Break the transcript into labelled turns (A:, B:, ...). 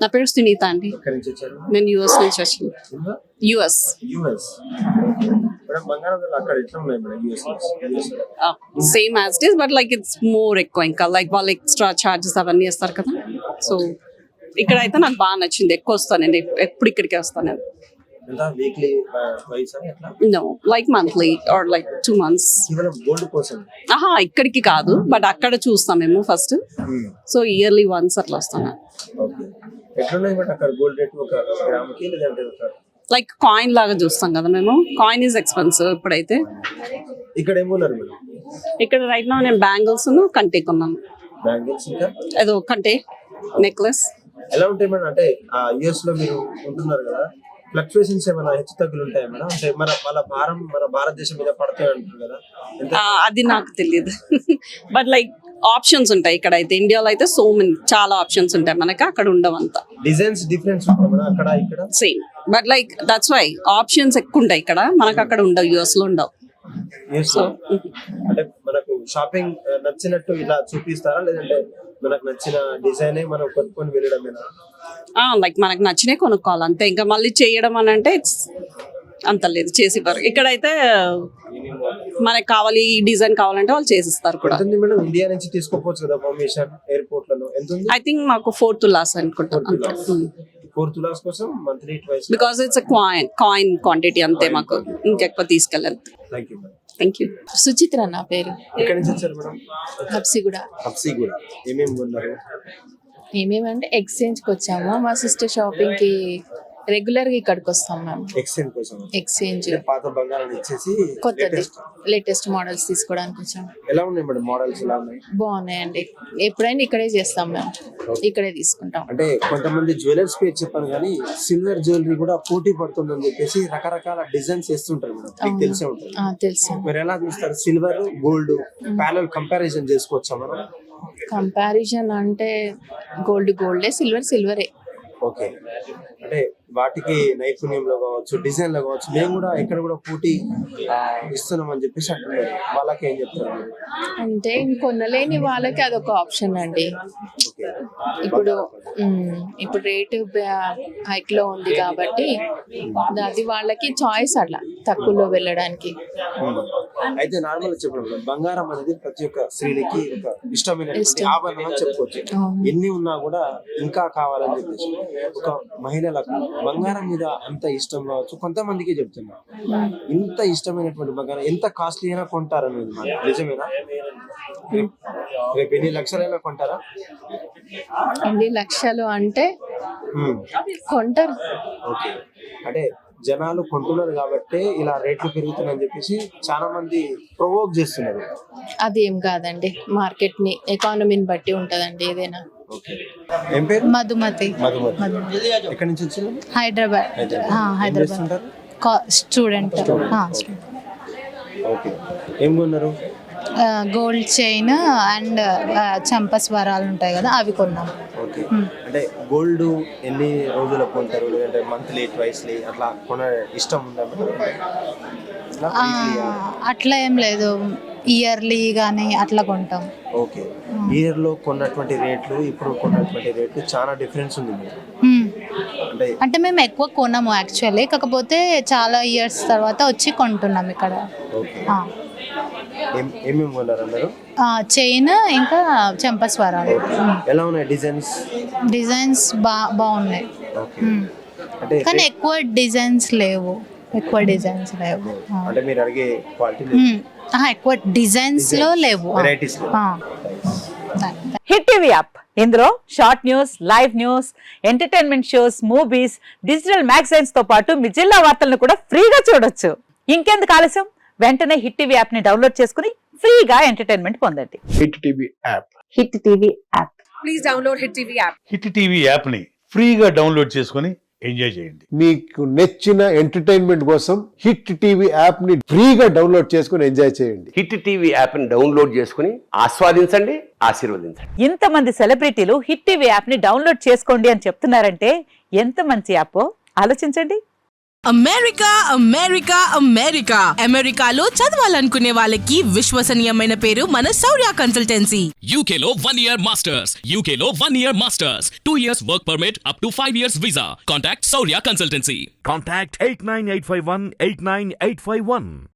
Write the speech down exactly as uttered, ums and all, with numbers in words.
A: నా పేరు సునీత అండి.
B: ఎక్కడి నుంచి వచ్చారు?
A: నేను యూఎస్ నుంచి వచ్చాను. యూఎస్
B: యూఎస్ మేడం, బంగారం ధరలు అక్కడ ఎట్లా ఉన్నాయి madam? US
A: same as it is, but like it's more ఎక్కువ. ఇంకా లైక్ వాళ్ళు ఎక్స్ట్రా చార్జెస్ అవన్నీ వేస్తారు కదా. సో ఇక్కడ అయితే నాకు బాగా నచ్చింది. ఎక్కువ వస్తాను నేను, ఎప్పుడు ఇక్కడికే వస్తాను నేను.
B: ఎంత వీక్లీ వైస్ ఎట్లా?
A: No, like monthly or like two months.
B: కేవలం గోల్డ్ కోసం?
A: ఆహా, ఇక్కడికి కాదు, బట్ అక్కడ చూస్తాం మేము ఫస్ట్. సో ఇయర్లీ వన్స్ అట్లా వస్తాను.
B: ఓకే, ఎట్లున్నాయి మేడం అక్కడ గోల్డ్ రేట్ ఒక గ్రామ్కి? లేదంటే ఒక
A: లైక్ కాయిన్ లాగా చూస్తాం కదా మేము. కాయిన్ ఈజ్ ఎక్స్పెన్సివ్ ఇప్పుడైతే.
B: ఇక్కడ ఏమున్నారు మేడం?
A: ఇక్కడ రైట్ నా నేను బ్యాంగిల్స్ కంటే కొన్నాను.
B: బ్యాంగిల్స్ ఇంకా
A: ఏదో కంటే నెక్లెస్.
B: ఎలా ఉంటాయి మేడం? అంటే ఆ యుఎస్ లో మీరు ఉంటున్నారు కదా, ఫ్లక్చుయేషన్స్ ఏమైనా హెచ్చు తగ్గులు ఉంటాయి మేడం? అంటే మన వాళ్ళ భారం మన భారతదేశం మీద పడతాయి అంటారు కదా,
A: అది నాకు తెలియదు. బట్ లైక్ ఆప్షన్స్ ఉంటాయి ఇక్కడ అయితే. ఇండియాలో అయితే సో మెనీ చాలా ఆప్షన్స్ ఉంటాయి మనకి, అక్కడ ఉండవు అంత.
B: డిజైన్స్ డిఫరెన్స్ ఉంటాయి మేడం అక్కడ ఇక్కడ?
A: Same, but like that's why options ఎక్కువ ఉంటాయి ఇక్కడ, మనకు అక్కడ ఉండవు, యూఎస్ లో ఉండవు.
B: సో అంటే మనకు షాపింగ్ నచ్చినట్టు ఇలా చూపిస్తారా, లేదంటే మనకు నచ్చిన డిజైన్ మనం కొనుక్కొని వెళ్ళడమేనా?
A: లైక్ మనకు నచ్చినే కొనుక్కోవాలి అంతే. ఇంకా మళ్ళీ చేయడం అని అంటే ఇట్స్ అంత లేదు, చేసి ఇవ్వరు. ఇక్కడైతే మనకు కావాలి ఈ డిజైన్ కావాలంటే వాళ్ళు చేసిస్తారు కూడా.
B: మేడం ఇండియా నుంచి తీసుకోవచ్చు కదా పర్మిషన్ ఎయిర్పోర్ట్ లలో? ఎంత ఉంది?
A: ఐ థింక్ మాకు ఫోర్ తులాస్ అనుకుంటాను.
B: ఫోర్ తులాస్ కోసం monthly twice,
A: because it's coin coin quantity అంతే. మాకు ఇంకెక్కువ తీసుకెళ్ళాలి.
B: Thank you madam.
A: Thank you.
C: Suchitra నా పేరు.
B: ఎక్కడి నుంచి వచ్చారు మేడం?
C: హబ్సిగూడ.
B: హబ్సిగూడ ఏమేమి కొన్నారు?
C: ఏమేమంటే ఎక్స్చేంజ్ కి వచ్చాము. మా సిస్టర్ షాపింగ్ కి రెగ్యులర్ గా ఇక్కడికి వస్తాం మేము.
B: ఎక్స్చేంజ్ కోసం?
C: ఎక్స్చేంజ్
B: పాత బంగారాన్ని ఇచ్చేసి
C: కొత్తది లేటెస్ట్ మోడల్స్ తీసుకోవడానికి వచ్చాము.
B: ఎలా ఉన్నాయి మేడం మోడల్స్? ఎలా ఉన్నాయి?
C: బాగున్నాయండి. ఎప్పుడైనా ఇక్కడే చేస్తాం మేము, ఇక్కడే తీసుకుంటాం.
B: అంటే కొంతమంది జ్యువెలర్స్ పేరు చెప్పాను కానీ సిల్వర్ జ్యువెలరీ కూడా పోటీ పడుతుందని చెప్పేసి రకరకాల డిజైన్స్ వేస్తుంటారు మేడం, మీకు తెలిసే ఉంటుంది.
C: తెలుసు.
B: మీరు ఎలా చూస్తారు? సిల్వర్ గోల్డ్ ప్యారల్ కంపారిజన్ చేసుకోవచ్చా మనం?
C: కంపారిజన్ అంటే గోల్డ్ గోల్డే, సిల్వర్ సిల్వరే.
B: ఓకే, అంటే వాటికి నైపుణ్యంలో కావచ్చు, డిజైన్ లో కావచ్చు, మేము కూడా ఇక్కడ కూడా పోటీ ఇస్తున్నాం అని చెప్పేసి అంటున్నారు. వాళ్ళకి ఏం చెప్తారు?
C: అంటే కొనలేని వాళ్ళకి అదొక ఆప్షన్ అండి. ఇప్పుడు ఇప్పుడు రేటు హైక్ లో ఉంది కాబట్టి అది వాళ్ళకి చాయిస్, అట్లా తక్కువలో వెళ్ళడానికి.
B: అయితే నార్మల్ చెప్పడం బంగారం అనేది ప్రతి ఒక్క స్త్రీలకి ఒక ఇష్టమైనటువంటి ఆభరణం అని చెప్పుకోవచ్చు. ఎన్ని ఉన్నా కూడా ఇంకా కావాలని చెప్పేసి ఒక మహిళలకు బంగారం మీద అంత ఇష్టం కావచ్చు. కొంతమందికి చెప్తున్నా, ఇంత ఇష్టమైనటువంటి బంగారం ఎంత కాస్ట్లీ అయినా కొంటారనేది నిజమేనా? రేపు ఎన్ని లక్షలైనా కొంటారా?
C: ఎన్ని లక్షలు అంటే కొంటారు.
B: ఓకే, అంటే జనాలు కొంటున్నారు కాబట్టి ఇలా రేట్లు పెరుగుతున్నాయని చెప్పేసి చాలా మంది ప్రొవోక్ చేస్తున్నారు.
C: అదేం కాదండి, మార్కెట్ ని ఎకానమీని బట్టి ఉంటదండి ఏదైనా.
B: ఏం పేరు?
C: మధుమతి.
B: మధుమతి ఎక్కడి నుంచి వచ్చారు?
C: హైదరాబాద్. హైదరాబాద్ స్టూడెంట్.
B: ఓకే, ఏం కొన్నారు?
C: గోల్డ్ చైన్ అండ్ చంపస్వరాలు ఉంటాయి కదా, అవి కొన్నాం.
B: ఓకే, అంటే గోల్డ్ ఎన్ని రోజులు కొంటారు? లేదంటే మంత్లీ ట్వైస్లీ అట్లా కొన ఇష్టం ఉందా?
C: అట్లా ఏం లేదు, ఇయర్లీ గానీ అట్లా కొంటాం.
B: ఓకే, ఇయర్ లో కొన్నటువంటి రేట్లు ఇప్పుడు కొన్నటువంటి రేట్లు చాలా డిఫరెన్స్ ఉంది.
C: అంటే అంటే మేము ఎక్కువ కొనము యాక్చువల్లీ, కాకపోతే చాలా ఇయర్స్ తర్వాత వచ్చి కొంటున్నాం ఇక్కడ.
B: ఏమేమి కొన్నారు అన్నారు?
C: చైన్ ఇంకా చంపస్వరాలు.
B: ఎలా ఉన్నాయి డిజైన్స్? డిజైన్స్
C: బా బాగున్నాయి కానీ ఎక్కువ డిజైన్స్ లేవు. ఎక్కువ డిజైన్స్ లేవు
B: అంటే మీరు అడిగే క్వాలిటీ
C: ఎక్కువ డిజైన్స్ లో లేవు.
D: హిట్ టీవీ యాప్, ఇందులో short news, live news, entertainment shows, movies, digital magazines తో పాటు మీ జిల్లా వార్తలను కూడా ఫ్రీగా చూడొచ్చు. ఇంకెందుకు ఆలస్యం, వెంటనే హిట్ టీవీ యాప్ ని డౌన్లోడ్ చేసుకుని ఫ్రీగా ఎంటర్టైన్మెంట్ పొందండి.
E: Hit TV app.
D: Hit TV app.
A: Please download hit TV app.
E: Hit TV app ని ఫ్రీగా డౌన్లోడ్ చేసుకుని ఎంజాయ్ చేయండి.
F: మీకు నచ్చిన ఎంటర్టైన్మెంట్ కోసం హిట్ టీవీ యాప్ ని ఫ్రీగా డౌన్లోడ్ చేసుకుని ఎంజాయ్ చేయండి.
G: హిట్ టీవీ యాప్ ని డౌన్లోడ్ చేసుకుని ఆస్వాదించండి, ఆశీర్వదించండి.
D: ఇంతమంది సెలబ్రిటీలు హిట్ టీవీ యాప్ ని డౌన్లోడ్ చేసుకోండి అని చెప్తున్నారంటే ఎంత మంచి యాప్ ఆలోచించండి.
H: అమెరికా అమెరికా అమెరికా అమెరికాలో చదవాలనుకునే వాళ్ళకి విశ్వసనీయమైన పేరు మన శౌర్య కన్సల్టెన్సీ.
I: U K లో one year masters, U K లో one year masters, two years work permit up to five years visa. Contact Saurya Consultancy.
J: Contact eight nine eight five one eight nine eight five one.